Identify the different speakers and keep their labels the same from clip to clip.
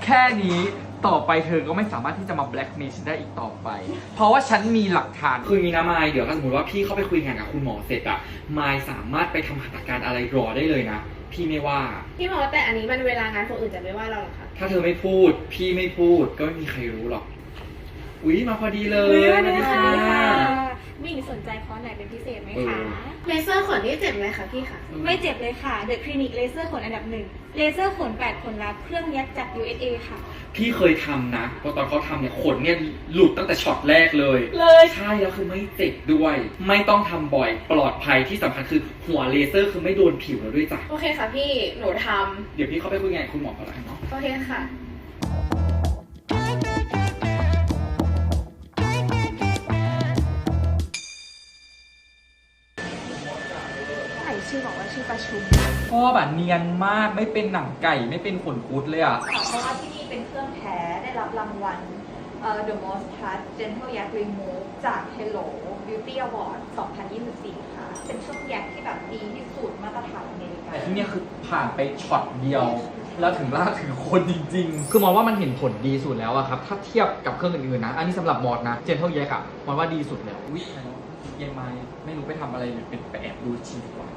Speaker 1: ค่นี้ต่อไปเธอก็ไม่สามารถที่จะมาแบล็กเมย์ฉันได้อีกต่อไป เพราะว่าฉันมีหลักฐาน
Speaker 2: คือมีนะมายเดี๋ยวถ้าสมมติว่าพี่เข้าไปคุยงานกับคุณหมอเสร็จอะมายสามารถไปทำหัตถการอะไรรอได้เลยนะพี่ไม่ว่า
Speaker 3: พี่หมอแต่อันนี้มันเวลางานคนอื่นจะไม่ว่าเราหรอคะ
Speaker 2: ถ้าเธอไม่พูดพี่ไม่พูดก็ไม่มีใครรู้หรอกอุ๊ยมาพอดีเลย
Speaker 3: สวัสดีค่ะ
Speaker 4: มิ่งสนใจคอร์สไหนเป็นพิเศษไหมคะ
Speaker 3: เลเซอร์ขนนี่เจ็บไหมคะพี่คะ
Speaker 4: ไม่เจ็บเลยค่ะ เดอะคลินิกเลเซอร์ขนอันดับ 1เลเซอร์ขน8ขนลับเครื่องยัดจาก USA ค่ะ
Speaker 2: พี่เคยทำนะเพราะตอนเขาทำเนี่ยขนเนี่ยหลุดตั้งแต่ช็อตแรกเลยใช่แล้วคือไม่เจ็บด้วย ไม่ต้องทำบ่อยปลอดภัยที่สำคัญคือหัวเลเซอร์คือไม่โดนผิวเราด้วยจ้ะ
Speaker 3: โอเคค่ะพี่หนูท
Speaker 2: เดี๋ยวพี่เข้าไปคุยงานกับคุณหมอก่อนละกันเนาะ
Speaker 3: ำโอเคค่ะชื่อบอกว่าชื่อประชุม
Speaker 1: พ่อแบบเนียนมากไม่เป็นหนังไก่ไม่เป็นขนคุดเลยอ่ะ
Speaker 4: เพราะว่าที่นี่เป็นเครื่องแท้ได้รับรางวัลThe Most Trust Gentle Yak Remove จาก Hello Beauty Award 2024 ค่ะ เป็นเครื่องแยกที่แบบดีที่สุดมาตรฐานอเมริกา
Speaker 1: แต่ที่นี่คือผ่านไปช็อตเดียว แล้วถึงลากถึงคนจริงๆ คือมองว่ามันเห็นผลดีสุดแล้วอะครับถ้าเทียบกับเครื่องอื่นๆนะอันนี้สำหรับมอดนะเจนเท่าแยกอะมองว่าดีสุดแล้วอุ๊ยเย็นไม้ไม่รู้ไปทำอะไรหรือเป็นไปแอบดูชีดีกว่า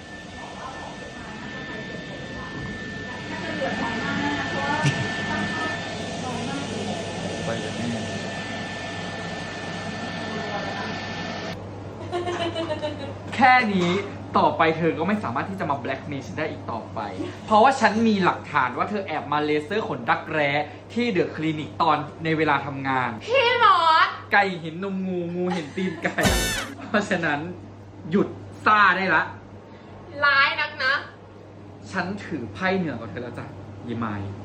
Speaker 1: ไปเลยแม่แค่นี้ต่อไปเธอก็ไม่สามารถที่จะมาแบล็กเมย์ฉันได้อีกต่อไป เพราะว่าฉันมีหลักฐานว่าเธอแอบมาเลเซอร์ขนดักแร้ที่เดอะคลินิกตอนในเวลาทำงาน
Speaker 3: พี่หมอ
Speaker 1: ไก่เห็นนมงูงูเห็นตีนไก่ เพราะฉะนั้นหยุดซ่าได้ละ
Speaker 3: ร้ายนักนะ
Speaker 1: ฉันถือไพ่เหนือกว่าเธอแล้วจ้ะยีมาย